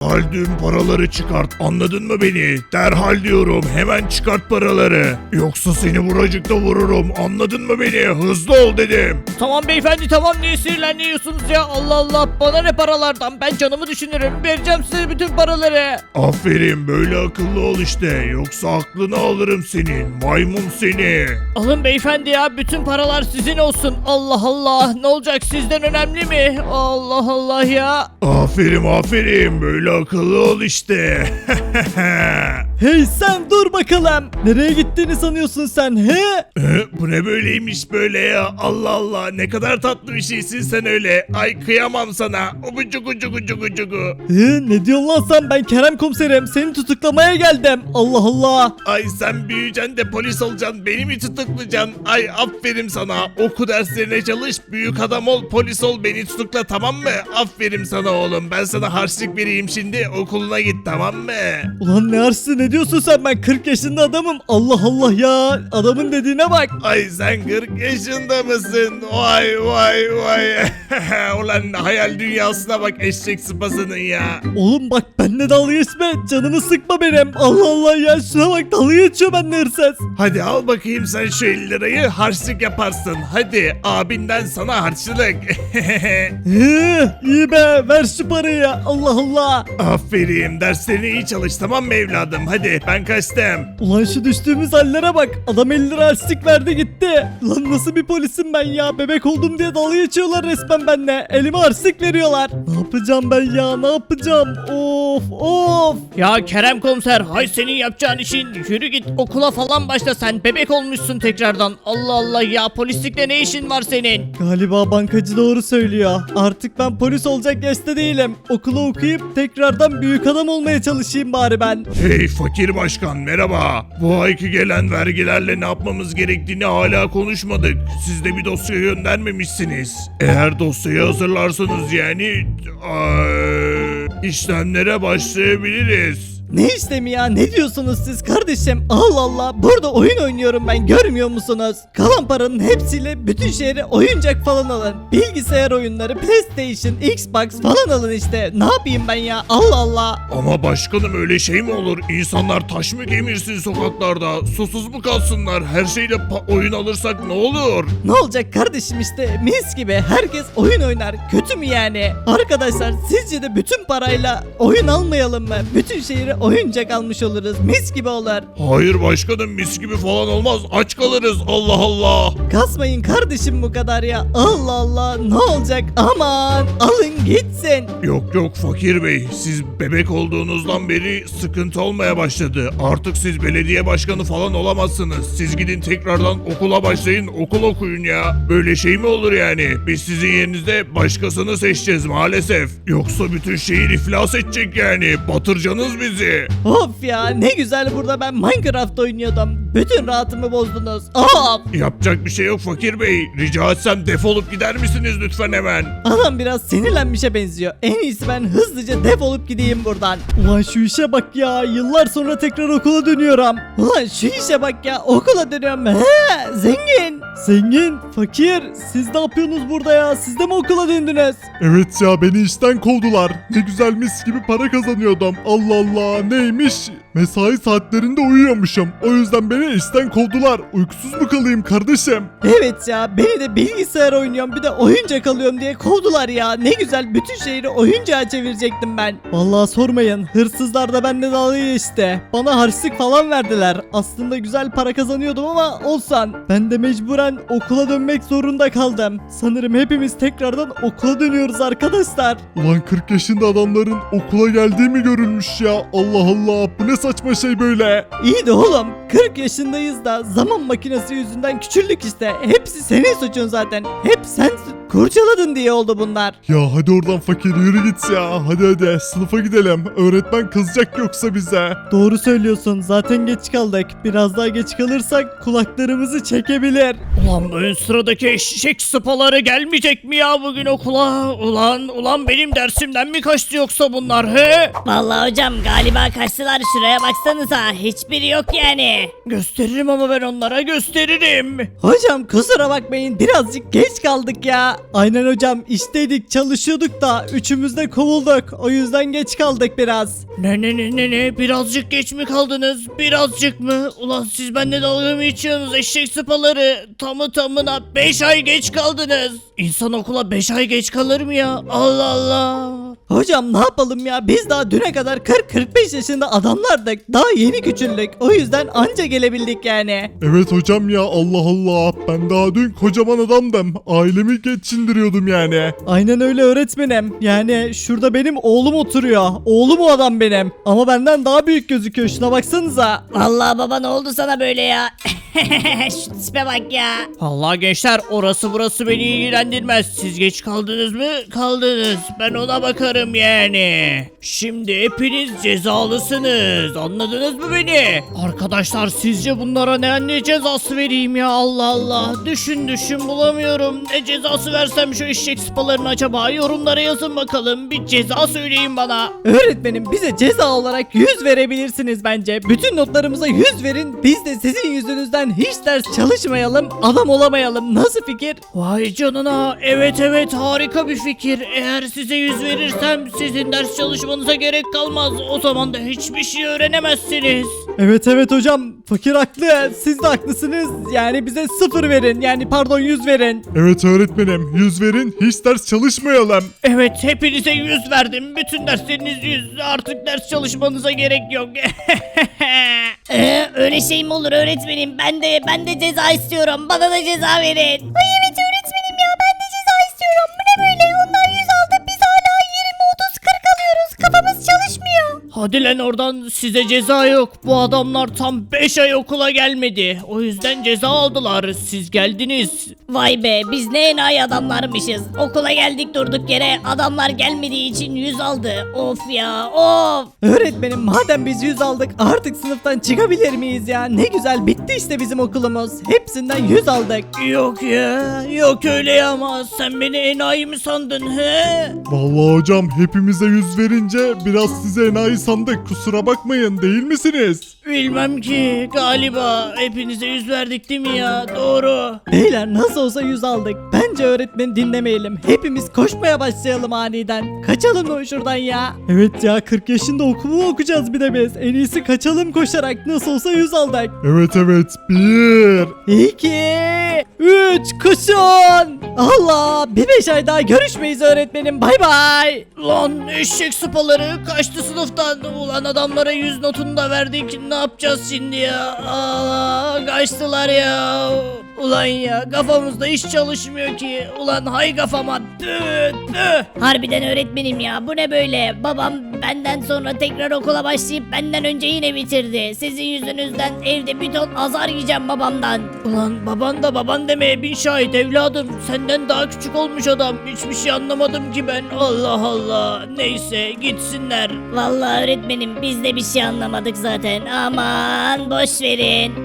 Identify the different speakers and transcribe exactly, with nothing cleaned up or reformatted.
Speaker 1: Derhal tüm paraları çıkart, anladın mı beni? Derhal diyorum, hemen çıkart paraları. Yoksa seni buracıkta vururum, anladın mı beni? Hızlı ol dedim.
Speaker 2: Tamam beyefendi tamam, niye sinirleniyorsunuz ya? Allah Allah, bana ne paralardan, ben canımı düşünürüm, vereceğim size bütün paraları.
Speaker 1: Aferin, böyle akıllı ol işte. Yoksa aklını alırım senin, maymun seni.
Speaker 2: Alın beyefendi ya, bütün paralar sizin olsun. Allah Allah, ne olacak, sizden önemli mi? Allah Allah ya.
Speaker 1: Aferin aferin, böyle akıllı ol işte.
Speaker 3: Hey sen dur bakalım. Nereye gittiğini sanıyorsun sen he?
Speaker 1: Ee, Bu ne böyleymiş böyle ya? Allah Allah, ne kadar tatlı bir şeysin sen öyle. Ay kıyamam sana. Ubucugu cugu cugu cugu.
Speaker 3: He, ne diyorsun lan sen? Ben Kerem komiserim. Seni tutuklamaya geldim. Allah Allah.
Speaker 1: Ay sen büyüyeceksin de polis olacaksın. Beni mi tutuklayacaksın? Ay aferin sana. Oku derslerine çalış. Büyük adam ol, polis ol. Beni tutukla, tamam mı? Aferin sana oğlum. Ben sana harçlık vereyim şimdi. Okuluna git, tamam mı?
Speaker 3: Ulan ne hırsız, ne diyorsun sen? Ben kırk yaşında adamım. Allah Allah ya. Adamın dediğine bak.
Speaker 1: Ay sen kırk yaşında mısın? Vay vay vay. Ulan hayal dünyasına bak eşek sıpasının ya.
Speaker 3: Oğlum bak benimle dalga geçme. Canımı sıkma benim. Allah Allah ya. Şuna bak, dalga geçiyor benimle hırsız.
Speaker 1: Hadi al bakayım sen şu elli lirayı, harçlık yaparsın. Hadi abinden sana harçlık.
Speaker 3: He, iyi be. Ver şu parayı ya. Allah Allah.
Speaker 1: Aferin, derslerine iyi çalış, tamam mı evladım? Hadi ben kaçtım.
Speaker 3: Ulan şu düştüğümüz hallere bak. Adam elli lira harçlık verdi gitti. Lan nasıl bir polisim ben ya. Bebek oldum diye dalga geçiyorlar resmen benimle. Elime harçlık veriyorlar. Ne yapacağım ben ya, ne yapacağım? Of of.
Speaker 2: Ya Kerem komiser, hay senin yapacağın işin, yürü git okula falan başla, sen bebek olmuşsun tekrardan. Allah Allah ya, polislikle ne işin var senin?
Speaker 3: Galiba bankacı doğru söylüyor. Artık ben polis olacak yaşta değilim. Okulu okuyup tekrardan büyük adam olmaya çalışayım bari ben.
Speaker 1: Hey fakir başkan, merhaba. Bu ayki gelen vergilerle ne yapmamız gerektiğini hala konuşmadık. Siz de bir dosya göndermemişsiniz. Eğer dosyayı hazırlarsanız yani eee, işlemlere başlayabiliriz.
Speaker 3: Ne işlemi ya, ne diyorsunuz siz kardeşim? Allah Allah, burada oyun oynuyorum ben, görmüyor musunuz? Kalan paranın hepsiyle bütün şehre oyuncak falan alın. Bilgisayar oyunları, PlayStation, Xbox falan alın işte. Ne yapayım ben ya, Allah Allah.
Speaker 1: Ama başkanım, öyle şey mi olur? İnsanlar taş mı kemirsin sokaklarda? Susuz mu kalsınlar? Her şeyle pa- oyun alırsak ne olur?
Speaker 3: Ne olacak kardeşim, işte mis gibi herkes oyun oynar, kötü mü yani? Arkadaşlar sizce de bütün parayla oyun almayalım mı? Bütün şehre oyuncak almış oluruz, mis gibi olur.
Speaker 1: Hayır başkanım, mis gibi falan olmaz. Aç kalırız, Allah Allah.
Speaker 3: Kasmayın kardeşim bu kadar ya, Allah Allah, ne olacak, aman alın gitsin.
Speaker 1: Yok yok fakir bey, siz bebek olduğunuzdan beri sıkıntı olmaya başladı. Artık siz belediye başkanı falan olamazsınız. Siz gidin tekrardan okula başlayın, okul okuyun ya. Böyle şey mi olur yani? Biz sizin yerinizde başkasını seçeceğiz maalesef. Yoksa bütün şehir iflas edecek yani. Batıracaksınız bizi.
Speaker 3: Of ya, ne güzel burada ben Minecraft oynuyordum. Bütün rahatımı bozdunuz. Of.
Speaker 1: Yapacak bir şey yok fakir bey. Rica etsem defolup gider misiniz lütfen hemen?
Speaker 3: Adam biraz sinirlenmişe benziyor. En iyisi ben hızlıca defolup gideyim buradan. Ulan şu işe bak ya. Yıllar sonra tekrar okula dönüyorum. Ulan şu işe bak ya. Okula dönüyorum. He, zengin. Zengin, fakir. Siz ne yapıyorsunuz burada ya? Siz de mi okula döndünüz?
Speaker 4: Evet ya, beni işten kovdular. Ne güzel mis gibi para kazanıyordum. Allah Allah, neymiş? Mesai saatlerinde uyuyormuşum. O yüzden beni işten kovdular. Uykusuz mu kalayım kardeşim?
Speaker 3: Evet ya, beni de bilgisayar oynuyorum bir de oyuncak alıyorum diye kovdular ya. Ne güzel bütün şehri oyuncağa çevirecektim ben. Vallahi sormayın, hırsızlar da benimle dalga geçti. Bana harçlık falan verdiler. Aslında güzel para kazanıyordum ama olsan. Ben de mecburen okula dönmek zorunda kaldım. Sanırım hepimiz tekrardan okula dönüyoruz arkadaşlar.
Speaker 4: Ulan kırk yaşında adamların okula geldiği mi görülmüş ya? Allah Allah, bu ne saçma şey böyle?
Speaker 3: İyi de oğlum, kırk yaşındayız da zaman makinesi yüzünden küçüldük işte. Hepsi senin suçun zaten. Hep sen kurcaladın diye oldu bunlar.
Speaker 4: Ya hadi oradan fakir, yürü git ya. Hadi hadi sınıfa gidelim. Öğretmen kızacak yoksa bize.
Speaker 3: Doğru söylüyorsun, zaten geç kaldık. Biraz daha geç kalırsak kulaklarımızı çekebilir.
Speaker 2: Ulan bu ön sıradaki eşek sıpaları gelmeyecek mi ya bugün okula? Ulan ulan benim dersimden mi kaçtı yoksa bunlar he?
Speaker 5: Vallahi hocam galiba kaçtılar, şuraya baksanıza hiçbiri yok yani.
Speaker 2: Gösteririm ama ben onlara gösteririm.
Speaker 3: Hocam kusura bakmayın, birazcık geç kaldık ya. Aynen hocam, işteydik, çalışıyorduk da üçümüz de kovulduk. O yüzden geç kaldık biraz.
Speaker 2: Ne ne ne ne ne birazcık geç mi kaldınız? Birazcık mı? Ulan siz benimle dalga mı geçiyorsunuz eşek sıpaları? Tamı tamına beş ay geç kaldınız. İnsan okula beş ay geç kalır mı ya? Allah Allah.
Speaker 3: Hocam ne yapalım ya, biz daha düne kadar kırk kırk beş yaşında adamlardık. Daha yeni küçüldük. O yüzden anca gelebildik yani.
Speaker 4: Evet hocam ya, Allah Allah. Ben daha dün kocaman adamdım. Ailemi geçindiriyordum yani.
Speaker 3: Aynen öyle öğretmenim. Yani şurada benim oğlum oturuyor. Oğlum o adam benim. Ama benden daha büyük gözüküyor. Şuna baksanıza.
Speaker 5: Vallahi baba ne oldu sana böyle ya? Şu tipe bak ya.
Speaker 2: Allah gençler orası burası beni ilgilendirmez. Siz geç kaldınız mı? Kaldınız. Ben ona bakarım yani. Şimdi hepiniz cezalısınız. Anladınız mı beni? Arkadaşlar sizce bunlara ne, ne cezası vereyim ya? Allah Allah. Düşün düşün bulamıyorum. Ne cezası versem şu eşek sıpalarını acaba? Yorumlara yazın bakalım. Bir ceza söyleyin bana.
Speaker 3: Öğretmenim, bize ceza olarak yüz verebilirsiniz bence. Bütün notlarımıza yüz verin. Biz de sizin yüzünüzden hiç ders çalışmayalım, adam olamayalım. Nasıl fikir?
Speaker 2: Vay canına. Evet evet harika bir fikir. Eğer size yüz verirsem sizin ders çalışmanıza gerek kalmaz. O zaman da hiçbir şey öğrenemezsiniz.
Speaker 3: Evet evet hocam, fakir haklı. Siz de haklısınız. Yani bize sıfır verin. Yani pardon, yüz verin.
Speaker 4: Evet öğretmenim, yüz verin, hiç ders çalışmayalım.
Speaker 2: Evet hepinize yüz verdim. Bütün dersleriniz yüz. Artık ders çalışmanıza gerek yok.
Speaker 5: Ee, öyle şey mi olur öğretmenim? Ben de ben de ceza istiyorum. Bana da ceza verin. Ay evet öğretmenim ya, ben de ceza istiyorum. Bu ne böyle? Onlar yüz aldı. Biz hala yirmi otuz kırk alıyoruz. Kafamız çalışmıyor.
Speaker 2: Hadi lan oradan, size ceza yok. Bu adamlar tam beş ay okula gelmedi. O yüzden ceza aldılar. Siz geldiniz.
Speaker 5: Vay be, biz ne enayi adamlarmışız. Okula geldik durduk yere. Adamlar gelmediği için yüz aldı. Of ya of.
Speaker 3: Öğretmenim, madem biz yüz aldık, artık sınıftan çıkabilir miyiz ya? Ne güzel, bitti işte bizim okulumuz. Hepsinden yüz aldık.
Speaker 2: Yok ya. Yok öyle ya ama sen beni enayi mi sandın he?
Speaker 4: Vallahi hocam, hepimize yüz verince biraz size enayi sandık. Kusura bakmayın, değil misiniz?
Speaker 2: Bilmem ki. Galiba hepinize yüz verdik değil mi ya? Doğru.
Speaker 3: Beyler, nasıl olsa yüz aldık. Bence öğretmeni dinlemeyelim. Hepimiz koşmaya başlayalım aniden. Kaçalım mı şuradan ya? Evet ya, kırk yaşında okulu okuyacağız bir de biz. En iyisi kaçalım koşarak. Nasıl olsa yüz aldık.
Speaker 4: Evet evet, bir.
Speaker 3: iki, üç, koşun. Allah, bir beş ay daha görüşmeyiz öğretmenim. Bay bay.
Speaker 2: Lan eşek sıpaları kaçtı sınıftan. Ulan adamlara yüz notunu da verdik. Ne yapacağız şimdi ya? Aa, kaçtılar ya. Ulan ya kafamızda hiç çalışmıyor ki. Ulan hay kafama. Tüh tüh.
Speaker 5: Harbiden öğretmenim ya, bu ne böyle? Babam benden sonra tekrar okula başlayıp benden önce yine bitirdi. Sizin yüzünüzden evde bir ton azar yiyeceğim babamdan.
Speaker 2: Ulan baban da baban demeye bin şahit evladım. Senden daha küçük olmuş adam. Hiçbir şey anlamadım ki ben. Allah Allah. Neyse gitsinler.
Speaker 5: Vallahi öğretmenim biz de bir şey anlamadık zaten. Aman boş verin.